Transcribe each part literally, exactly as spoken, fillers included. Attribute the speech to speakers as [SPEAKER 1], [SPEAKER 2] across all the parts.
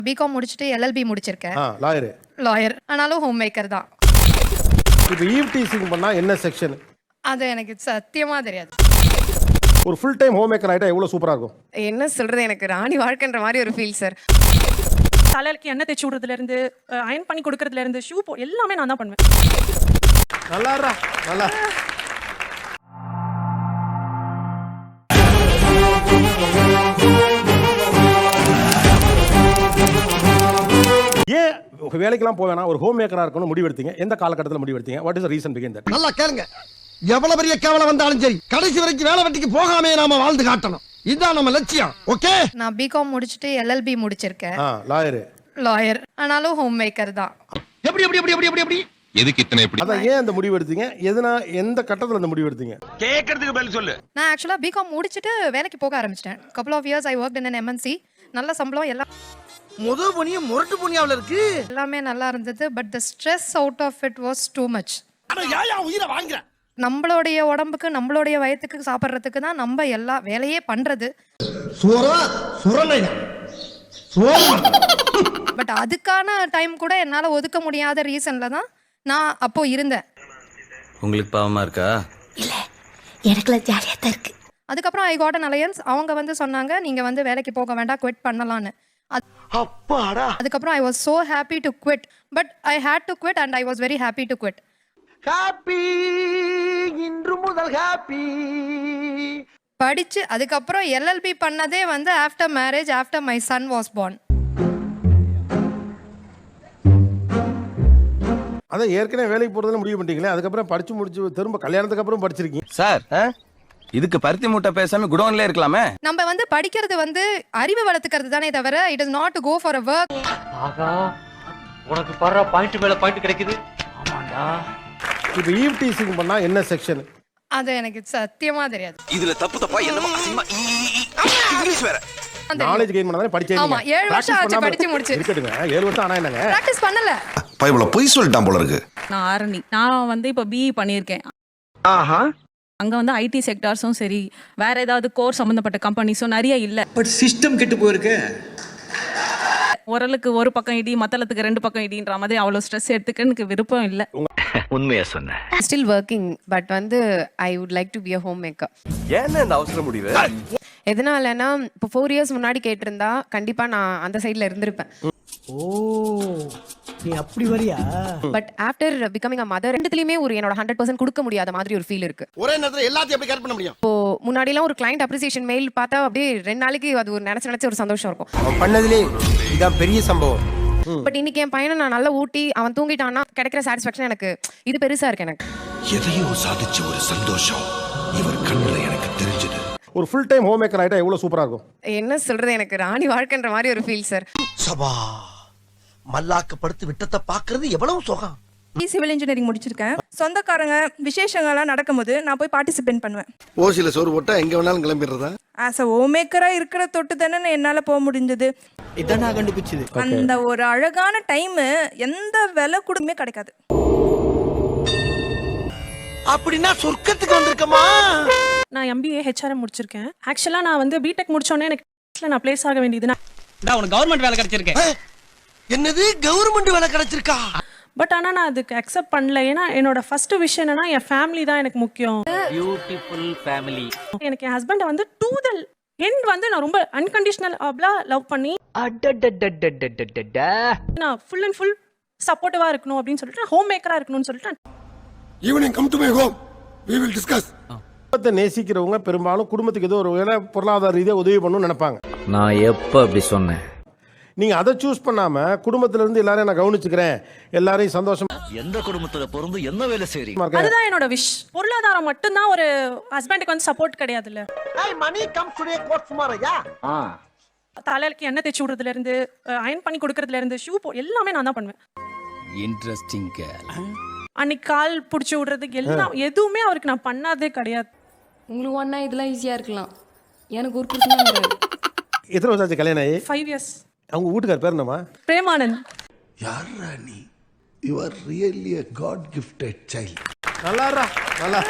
[SPEAKER 1] BCom முடிச்சுட்டு LLB முடிச்சிருக்கேன்.
[SPEAKER 2] Lawyer
[SPEAKER 1] lawyer ஆனாலும் ஹோம் மேக்கர் தான்.
[SPEAKER 2] இப்போ ஈவ் டீசிங் பண்ணா என்ன செக்ஷன்?
[SPEAKER 1] அது எனக்கு சத்தியமா தெரியாது.
[SPEAKER 2] ஒரு ஃபுல் டைம் ஹோம் மேக்கர் ஆயிட்டா எவ்வளவு சூப்பரா இருக்கும்.
[SPEAKER 3] என்ன சொல்றது, எனக்கு ராணி வாழ்க்கைன்ற மாதிரி ஒரு ஃபீல் சார்.
[SPEAKER 4] தலைக்கு எண்ணெய் தேய்ச்சி விடுறதுல இருந்து அயன் பண்ணி கொடுக்கறதுல இருந்து ஷூ போ எல்லாமே நான் தான் பண்ணுவேன்.
[SPEAKER 2] நல்லாரா நல்லா. ஏன் வேலைக்கெல்லாம் போவேனா ஒரு ஹோம் மேக்கரா இருக்கணும் முடிவெடுத்தீங்க? எந்த காலகட்டத்தில் முடிவெடுத்தீங்க? What is the reason behind that?
[SPEAKER 5] நல்லா கேளுங்க. எவ்வளவு பெரிய கேவலம் வந்தாலும் சரி கடைசி வரைக்கும் வேலை வெட்டிக்கு போகாமே நாம வாழ்ந்து காட்டணும். இதுதான் நம்ம லட்சியம். ஓகே.
[SPEAKER 1] நான் பிகாம் முடிச்சுட்டு எல்எல்பி முடிச்சிருக்கேன்.
[SPEAKER 2] லாயர்
[SPEAKER 1] லாயர் ஆனாலும் ஹோம் மேக்கர் தான்.
[SPEAKER 5] எப்படி எப்படி எப்படி எப்படி எப்படி
[SPEAKER 6] எதுக்கு இத்தனை இப்படி?
[SPEAKER 2] அத ஏன் அந்த முடிவு எடுத்தீங்க? எதனா எந்த கட்டத்துல அந்த முடிவு எடுத்தீங்க?
[SPEAKER 6] கேக்குறதுக்கு பதில் சொல்லு.
[SPEAKER 1] நான் ஆக்சுவலா பிகாம் முடிச்சிட்டு வேலைக்கு போக ஆரம்பிச்சிட்டேன். couple of years I worked in an M N C. நல்ல சம்பளம் எல்லாம்
[SPEAKER 5] முத பொனிய முரட்டு பொனியாவுல இருக்கு.
[SPEAKER 1] எல்லாமே நல்லா இருந்தது. But the stress out of it was too much.
[SPEAKER 5] அட யாயா உயிரை வாங்குற.
[SPEAKER 1] நம்மளுடைய உடம்புக்கு நம்மளுடைய வயத்துக்கு சாப்பிட்றதுக்கு தான் நம்ம எல்லா வேலையே பண்றது.
[SPEAKER 5] சோரா சுரலையா
[SPEAKER 1] பட் அதுக்கான டைம் கூட என்னால ஒதுக்க முடியாத ரீசன்ல தான் நான் அப்போ இருந்தேன்.
[SPEAKER 7] உங்களுக்கு பாவமா இருக்கா?
[SPEAKER 8] இல்ல, எனக்குலாம் ஜாலியா தான் இருக்கு.
[SPEAKER 1] அதுக்கப்புறம் ஐ காட் an alliance. அவங்க வந்து சொன்னாங்க நீங்க வந்து வேலைக்கு போக வேண்டாம், குவிட் பண்ணலான்னு.
[SPEAKER 5] அப்பாடா.
[SPEAKER 1] அதுக்கப்புறம் I was so happy to quit. But I had to quit and I was very happy to quit.
[SPEAKER 5] Happy இன்று முதல் ஹாப்பி.
[SPEAKER 1] படிச்சு அதுக்கப்புறம் எல்எல்பி பண்ணதே வந்து after marriage, after my son was born.
[SPEAKER 2] அத ஏற்கனவே வேலைக்கு போறதுல முடிவு பண்ணிட்டீங்களே, அதுக்கப்புறம் படிச்சு முடிச்சு திரும்ப கல்யாணத்துக்கு அப்புறம் படிச்சிருக்கீங்க
[SPEAKER 7] சார். இதுக்கு பருத்தி மூட்டை பேசாம குடோன்ல இருக்கலாமே.
[SPEAKER 1] நம்ம வந்து படிக்கிறது வந்து அறிவு வளர்த்துக்கிறது தானே தவிர it is not to go for a work.
[SPEAKER 9] ஆகா, உனக்கு பர பாயிண்ட் மேல பாயிண்ட் கிடைக்குது. ஆமாடா.
[SPEAKER 2] இப்போ ஈவ் டீசிங் பண்ணா என்ன செக்ஷன்?
[SPEAKER 1] அது எனக்கு சத்தியமா தெரியாது.
[SPEAKER 6] இதுல தப்பு தப்பா என்னமா அசிங்கமா இங்கிலீஷ் வேற.
[SPEAKER 2] நாலேஜ் கெயின் பண்ணானே படிச்சேன்.
[SPEAKER 1] ஆமா, ஏழு வருஷம் ஆச்சு படிச்சு முடிச்சு.
[SPEAKER 2] இருக்கட்டுங்க, ஏழு வருஷம் ஆனா என்னங்க?
[SPEAKER 1] பிராக்டீஸ் பண்ணல.
[SPEAKER 6] பைபிள பொய் சொல்லிட்டான் போல இருக்கு.
[SPEAKER 4] நான் ஆரணி நான் வந்து இப்போ பிஇ பண்ணியிருக்கேன்.
[SPEAKER 5] ஆஹா.
[SPEAKER 4] அங்க வந்து ஐடி செக்டார்ஸும் சரி வேற ஏதாவது கோர் சம்பந்தப்பட்ட கம்பெனிஸும் நிறைய இல்ல.
[SPEAKER 9] பட் சிஸ்டம் கெட்டு போயிருக்கு.
[SPEAKER 4] உரலுக்கு ஒரு பக்கம் இடி மத்தளத்துக்கு ரெண்டு பக்கம் இடின்ற மாதிரி அவ்வளவு ஸ்ட்ரெஸ் எடுத்துக்க எனக்கு விருப்பம் இல்ல.
[SPEAKER 6] உண்மையா சொன்ன.
[SPEAKER 3] ஸ்டில் ஒர்க்கிங் பட் வந்து I would like to be a home maker.
[SPEAKER 6] ஏன்னா இந்த அவசர முடிவு?
[SPEAKER 3] எதனாலனா இப்போ ஃபோர் இயர்ஸ் முன்னாடி கேட்டிருந்தா கண்டிப்பா நான் அந்த சைட்ல இருந்திருப்பேன்.
[SPEAKER 5] ஓ, நீ அப்படி வரியா?
[SPEAKER 3] But after becoming a mother ரெண்டுத்துலயுமே ஒரு என்னோட ஹண்ட்ரட் பர்சன்ட் கொடுக்க முடியாத மாதிரி ஒரு ஃபீல் இருக்கு.
[SPEAKER 5] ஒரே நேரத்துல எல்லாத்தையும் எப்படி கேர் பண்ண முடியும்?
[SPEAKER 3] இப்போ முன்னாடிலாம் ஒரு கிளைண்ட் அப்ரிசியேஷன் மெயில் பார்த்தா அப்படியே ரெண்டு நாளைக்கு அது ஒரு நினைச்சு நினைச்ச ஒரு சந்தோஷம் இருக்கும்.
[SPEAKER 5] அவன் பண்ணதுலே இதான் பெரிய சம்பவம்.
[SPEAKER 3] பட் இன்னைக்கு என் பையனை நான் நல்லா ஊட்டி அவன் தூங்கிட்டான்னா கிடைக்கிற சாட்டிஸ்ஃபேக்ஷன் எனக்கு இது பெருசா இருக்கு. எனக்கு
[SPEAKER 6] எதையோ சாதிச்ச ஒரு சந்தோஷம் இவர் கண்ணுல எனக்கு தெரிஞ்சது.
[SPEAKER 2] ஒரு ஃபுல் டைம் ஹோம் மேக்கர் ஆயிட்டா எவ்வளவு சூப்பரா இருக்கும்.
[SPEAKER 3] என்ன சொல்றது, எனக்கு ராணி வாழ்க்கைன்ற மாதிரி ஒரு ஃபீல் சார்.
[SPEAKER 5] சபா மல்லாக்க படுத்து விட்டத்தை பாக்குறது எவ்வளவு சுகம்.
[SPEAKER 4] சிவில் இன்ஜினியரிங் முடிச்சிருக்கேன். சொந்தக்காரங்க விசேஷங்கள்லாம் நடக்கும்போது நான் போய் பார்ட்டிசிபேட் பண்ணுவேன்.
[SPEAKER 5] ஓசில சோறு போட்டா எங்க வேணாலும் கிளம்பிடுறதா?
[SPEAKER 4] ஆஸ் அ ஹோம் மேக்கரா இருக்கிற தொட்டு தானே என்னால போக முடிஞ்சது.
[SPEAKER 5] இதான் நான் கண்டுபிடிச்சது.
[SPEAKER 4] அந்த ஒரு அழகான டைம் எந்த விலை கூடமே கிடைக்காது.
[SPEAKER 5] அப்படின்னா சொர்க்கத்துக்கு வந்திருக்கமா?
[SPEAKER 4] நான் எம்பிஏ ஹெச்ஆர்எம் முடிச்சிருக்கேன். ஆக்சுவலா நான் வந்து பிடெக் முடிச்சோன்னே எனக்கு நான் பிளேஸ் ஆக வேண்டியது.
[SPEAKER 9] நான் உனக்கு கவர்மெண்ட் வேலை கிடைச்சிருக்கு.
[SPEAKER 5] என்னது கவர்மெண்ட் வேலை கிடைச்சிருக்கா?
[SPEAKER 4] பட் ஆனா நான் அதுக்கு அக்செப்ட் பண்ணல. ஏன்னா என்னோட ஃபர்ஸ்ட் விஷயம் என்னன்னா என் ஃபேமிலி தான் எனக்கு முக்கியம்.
[SPEAKER 9] Beautiful family.
[SPEAKER 4] எனக்கு என் ஹஸ்பண்ட் வந்து டூ த எண்ட் வந்து நான் ரொம்ப அன்கண்டிஷனல் அப்லா லவ் பண்ணி நான் ஃபுல் அண்ட் ஃபுல் சப்போர்ட்டிவா இருக்கணும் அப்படின்னு சொல்லிட்டு ஹோம் மேக்கரா இருக்கணும்னு சொல்லிட்டு
[SPEAKER 5] evening come to my home we will discuss.
[SPEAKER 2] குடும்பத்தை நேசிக்கிறவங்க பெரும்பாலும் குடும்பத்துக்கு ஏதோ ஒரு வேலை பொருளாதார ரீதியாக உதவி பண்ணணும்னு நினைப்பாங்க.
[SPEAKER 7] நான் எப்ப அப்படி சொன்னேன்?
[SPEAKER 2] நீங்க அதை சூஸ் பண்ணாம குடும்பத்துல இருந்து எல்லாரையும் நான் கவனிச்சுக்கிறேன், எல்லாரையும் சந்தோஷமா
[SPEAKER 9] எந்த குடும்பத்துல பிறந்து என்ன வேலை செய்றீங்க?
[SPEAKER 2] இருக்கேன்.
[SPEAKER 4] அதுதான் என்னோட விஷ். பொருளாதாரம் மட்டும் தான் ஒரு ஹஸ்பண்டுக்கு வந்து சப்போர்ட் கிடையாதுல்ல.
[SPEAKER 5] hey money comes today court tomorrow யா?
[SPEAKER 9] ஆ.
[SPEAKER 4] தலைக்கு எண்ணெய் தேய்ச்சி விடுறதுல இருந்து அயன் பண்ணி கொடுக்கறதுல இருந்து ஷூ போ எல்லாமே நான் தான் பண்ணுவேன்.
[SPEAKER 7] Interesting girl.
[SPEAKER 4] அன்னைக்கு கால் பிடிச்சி விடுறதுக்கு எல்லாம் எதுவுமே அவருக்கு நான் பண்ணாதே கிடையாது.
[SPEAKER 8] உங்களுக்கு ஒன்னா இதெல்லாம் ஈஸியா இருக்கலாம், எனக்கு ஒரு பிரச்சனை.
[SPEAKER 2] எத்தனை வருஷம் ஆச்சு கல்யாணம் ஆகி?
[SPEAKER 4] Five years.
[SPEAKER 2] அவங்க வீட்டுக்கார் பேர் என்னமா?
[SPEAKER 4] பிரேமானந்த்.
[SPEAKER 5] யார் ராணி? you are really a god gifted child.
[SPEAKER 2] நல்லாரா நல்லா.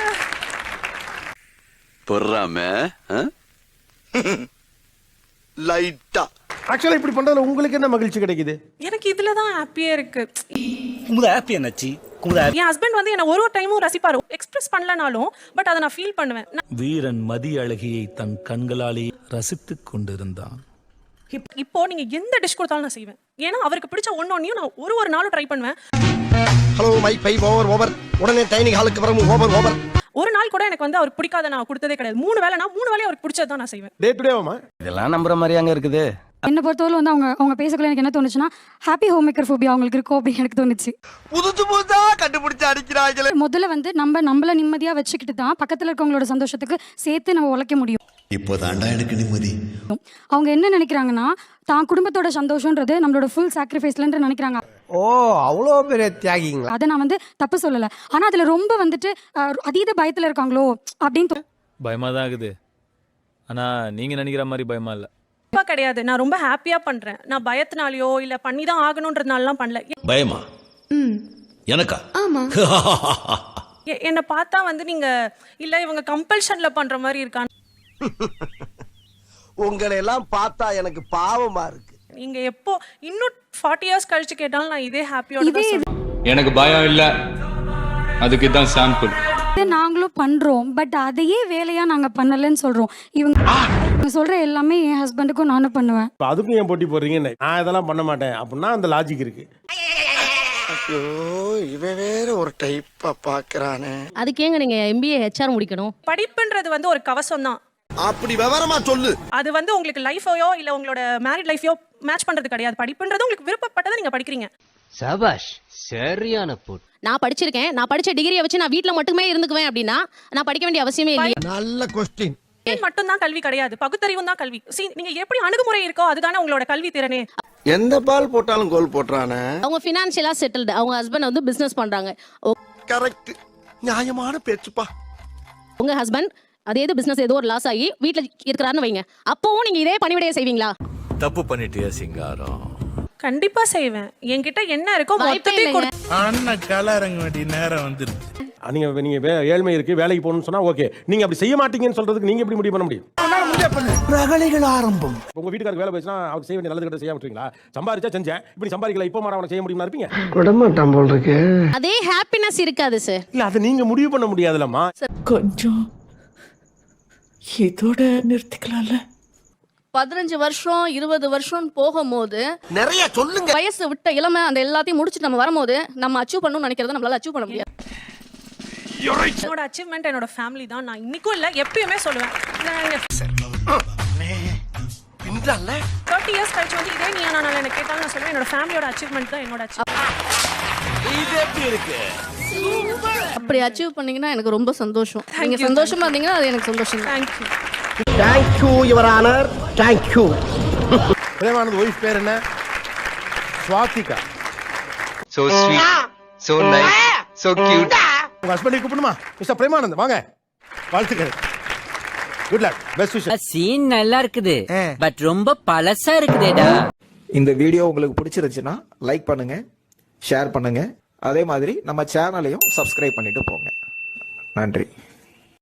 [SPEAKER 6] பொறாம லைட்டா
[SPEAKER 2] ஆக்சுவலா இப்படி பண்றதுல உங்களுக்கு என்ன மகிழ்ச்சி கிடைக்குது?
[SPEAKER 4] எனக்கு இதுல தான் ஹாப்பியா இருக்கு.
[SPEAKER 9] குமுதா ஹாப்பி என்னாச்சு? குமுதா
[SPEAKER 4] என் ஹஸ்பண்ட் வந்து என்ன ஒரு ஒரு டைமும் ரசிப்பாரு. எக்ஸ்பிரஸ் பண்ணலனாலும் பட் அதை நான் ஃபீல் பண்ணுவேன்.
[SPEAKER 10] வீரன் மதி அழகியை தன் கண்களாலே ரசித்துக் கொண்டிருந்தான்.
[SPEAKER 4] இப்- இப்போ நீங்க எந்த டிஷ் கொடுத்தாலும் நான் செய்வேன். ஏன்னா அவருக்கு பிடிச்ச ஒன்னு ஒன்னையும் நான் ஒரு ஒரு நாளும் ட்ரை பண்ணுவேன்.
[SPEAKER 5] Hello my bye over over உடனே டைனிங் ஹாலுக்கு வரணும் ஓவர் ஓவர்.
[SPEAKER 4] ஒரு நாள் கூட எனக்கு வந்து அவருக்கு பிடிக்காத நான் கொடுத்ததே கிடையாது. மூணு வேளை நான் மூணு வேளை அவருக்கு பிடிச்சது தான் நான் செய்வேன்.
[SPEAKER 2] டே டு டேவாமா?
[SPEAKER 7] இதெல்லாம் நம்புற மாதிரி அங்க இருக்குது.
[SPEAKER 3] என்ன பொறுத்தவரை வந்து அவங்க அவங்க பேசக்குள்ள எனக்கு என்ன தோணுச்சுன்னா ஹாப்பி ஹோம் மேக்கர் ஃபோபியா அவங்களுக்கு இருக்கும் அப்படின்னு எனக்கு தோணுச்சு.
[SPEAKER 5] புதுசு புதுசா கண்டுபிடிச்சு அடிக்கிறாங்களே.
[SPEAKER 3] முதல்ல வந்து நம்ம நம்மள நிம்மதியா வச்சுக்கிட்டு தான் பக்கத்துல இருக்கவங்களோட சந்தோஷத்துக்கு சேர்த்து நம்ம உழைக்க முடியும்.
[SPEAKER 6] இப்போதாண்டா எனக்கு நிம்மதி.
[SPEAKER 3] அவங்க என்ன நினைக்கிறாங்கன்னா தான் குடும்பத்தோட சந்தோஷம்ன்றது நம்மளோட ஃபுல் சாக்ரிஃபைஸ்லன்ற நினைக்கிறாங்க.
[SPEAKER 5] ஓ அவ்வளோ பெரிய தியாகிங்களா?
[SPEAKER 3] அதை நான் வந்து தப்பு சொல்லல. ஆனா அதுல ரொம்ப வந்துட்டு அஹ், அதீத பயத்துல இருக்காங்களோ அப்படின்னு தோ-
[SPEAKER 10] பயமா தான் இருக்குது. ஆனா நீங்க நினைக்கிற மாதிரி பயமா இல்ல.
[SPEAKER 4] கண்டிப்பா கிடையாது. நான் ரொம்ப ஹாப்பியா பண்றேன். நான் பயத்தினாலயோ இல்ல பண்ணி தான் ஆகணும்ன்றதுனாலலாம் பண்ணல.
[SPEAKER 6] பயமா? எனக்கா?
[SPEAKER 4] எ- என்னை பார்த்தா வந்து நீங்க இல்ல இவங்க கம்பல்ஷன்ல பண்ற மாதிரி இருக்காங்க.
[SPEAKER 5] உங்களை எல்லாம் பார்த்தா எனக்கு பாவமா இருக்கு.
[SPEAKER 4] நீங்க எப்போ இன்னும் ஃபார்ட்டி இயர்ஸ் கழிச்சு கேட்டாலும் நான் இதே ஹாப்பியோட தான் சொல்லுவேன்.
[SPEAKER 10] எனக்கு பயம் இல்ல. அதுக்கு தான் சாம்பிள்.
[SPEAKER 3] இதை நாங்களும் பண்றோம். பட் அதையே வேலையா நாங்க பண்ணலன்னு சொல்றோம். இவங்க இவங்க சொல்ற எல்லாமே என் ஹஸ்பண்டுக்கும் நானும் பண்ணுவேன்.
[SPEAKER 2] இப்ப அதுக்கும் ஏன் போட்டி போடுறீங்க? நான் இதெல்லாம் பண்ண மாட்டேன் அப்படின்னா அந்த லாஜிக் இருக்கு.
[SPEAKER 5] ஐயோ இவன் வேற ஒரு டைப்பா பாக்குறானே.
[SPEAKER 8] அதுக்கு ஏங்க நீங்க எம்பிஏ ஹெச்ஆர் முடிக்கணும்?
[SPEAKER 4] படிப்புன்றது வந்து ஒரு கவசம் தான்.
[SPEAKER 5] அப்படி விவரமா சொல்லு.
[SPEAKER 4] அது வந்து உங்களுக்கு லைஃபையோ இல்ல உங்களோட மேரிட் லைஃபையோ மேட்ச் பண்றது கிடையாது. படிப்புன்றது உங்களுக்கு விருப்பப்பட்டதை நீங்க படிக்கிறீங்க.
[SPEAKER 9] சபாஷ் சரியான போட்.
[SPEAKER 8] நான் படிச்சிருக்கேன். நான் படிச்ச டிகிரியை வச்சு நான் வீட்ல மட்டுமே இருந்துக்குவேன் அப்படின்னா நான் படிக்க வேண்டிய அவசியமே இல்லையே.
[SPEAKER 5] நல்ல கொஸ்டின்.
[SPEAKER 4] மட்டும் தான் கல்வி கிடையாது. பகுத்தறிவும் தான் கல்வி. See, நீங்க எப்படி அணுகுமுறை இருக்கோ அதுதானே உங்களோட கல்வி திறனே.
[SPEAKER 5] எந்த பால் போட்டாலும் கோல் போட்டுறானே.
[SPEAKER 8] அவங்க ஃபினான்ஷியலா செட்டில்டு. அவங்க ஹஸ்பண்ட் வந்து பிசினஸ் பண்றாங்க.
[SPEAKER 5] கரெக்ட். நியாயமான பேச்சுப்பா.
[SPEAKER 8] உங்க ஹஸ்பண்ட் அதே இது பிசினஸ் ஏதோ ஒரு லாஸ் ஆகி வீட்ல இருக்கிறாருன்னு வைங்க. அப்பவும் நீங்க இதே பணிவிடையை செய்வீங்களா?
[SPEAKER 6] தப்பு பண்ணிட்டியா சிங்காரம்?
[SPEAKER 4] கண்டிப்பா செய்வேன். என்கிட்ட என்ன இருக்கோ
[SPEAKER 8] வாய்ப்பே
[SPEAKER 4] மொத்தத்தையும்
[SPEAKER 8] இல்லைங்க.
[SPEAKER 4] கொடு-
[SPEAKER 10] அண்ணன் கலரங்க வேண்டிய நேரம் வந்துருச்சு.
[SPEAKER 2] நீங்க நீங்க வே- ஏழ்மை இருக்கு வேலைக்கு போகணும்னு சொன்னா ஓகே. நீங்க அப்படி செய்ய மாட்டீங்கன்னு சொல்றதுக்கு நீங்க எப்படி முடிவு பண்ண முடியும்?
[SPEAKER 5] ரகளைகள் ஆரம்பம்.
[SPEAKER 2] உங்க வீட்டுக்காரருக்கு வேலை போச்சுன்னா அவருக்கு செய்ய வேண்டிய நல்லது கிட்ட செய்ய விட்டுருவீங்களா? சம்பாரிச்சா செஞ்சேன், இப்படி சம்பாதிக்கல இப்போ மாற அவனை செய்ய முடியுமா இருப்பீங்க?
[SPEAKER 5] விடமாட்டான் போல் இருக்கு.
[SPEAKER 8] அதே ஹாப்பினஸ் இருக்காது சார்.
[SPEAKER 2] இல்ல அதை நீங்க முடிவு பண்ண முடியாதுலம்மா.
[SPEAKER 4] கொஞ்சம் இதோட நிறுத்திக்கலாம்ல.
[SPEAKER 8] பதினஞ்சு வருஷம் இருபது வருஷம் போகும்போது
[SPEAKER 5] நிறைய சொல்லுங்க.
[SPEAKER 8] வயசு விட்ட இளமை அந்த எல்லாத்தையும் முடிச்சுட்டு நம்ம வரும்போது நம்ம அச்சீவ் பண்ணணும்னு நினைக்கிறத நம்மளால அச்சீவ் பண்ண முடியாது.
[SPEAKER 4] என்னோட அச்சீவ்மெண்ட் என்னோட ஃபேமிலி தான். நான் இன்னைக்கும் இல்ல எப்பயுமே சொல்லுவேன். தேர்ட்டி இயர்ஸ் கழிச்சு வந்து இதே நீ நான் எனக்கு கேட்டாலும் நான் சொல்லுவேன் என்னோட ஃபேமிலியோட அச்சீவ்மெண்ட் தான் என்னோட அச்சீவ்மெண்ட்.
[SPEAKER 8] அப்படி அச்சீவ் பண்ணீங்கன்னா எனக்கு ரொம்ப சந்தோஷம். நீங்க சந்தோஷமா இருந்தீங்கன்னா அது எனக்கு சந்தோஷம்.
[SPEAKER 4] Thank you.
[SPEAKER 5] Thank you your honour. Thank you.
[SPEAKER 2] Premanand wife பேர் என்ன? Swathika.
[SPEAKER 7] So sweet, so nice, so cute.
[SPEAKER 2] உங்க ஹஸ்பண்டை கூப்பிடுமா? மிஸ்டர் பிரேமானந்த் வாங்க. வாழ்த்துக்கள். Good luck. Best wishes.
[SPEAKER 9] Scene நல்லா இருக்குது பட் ரொம்ப பழசா இருக்குதேடா.
[SPEAKER 10] இந்த வீடியோ உங்களுக்கு பிடிச்சிருந்துச்சுன்னா லைக் பண்ணுங்க, ஷேர் பண்ணுங்க. அதே மாதிரி நம்ம சேனலையும் சப்ஸ்கிரைப் பண்ணிட்டு போங்க. நன்றி.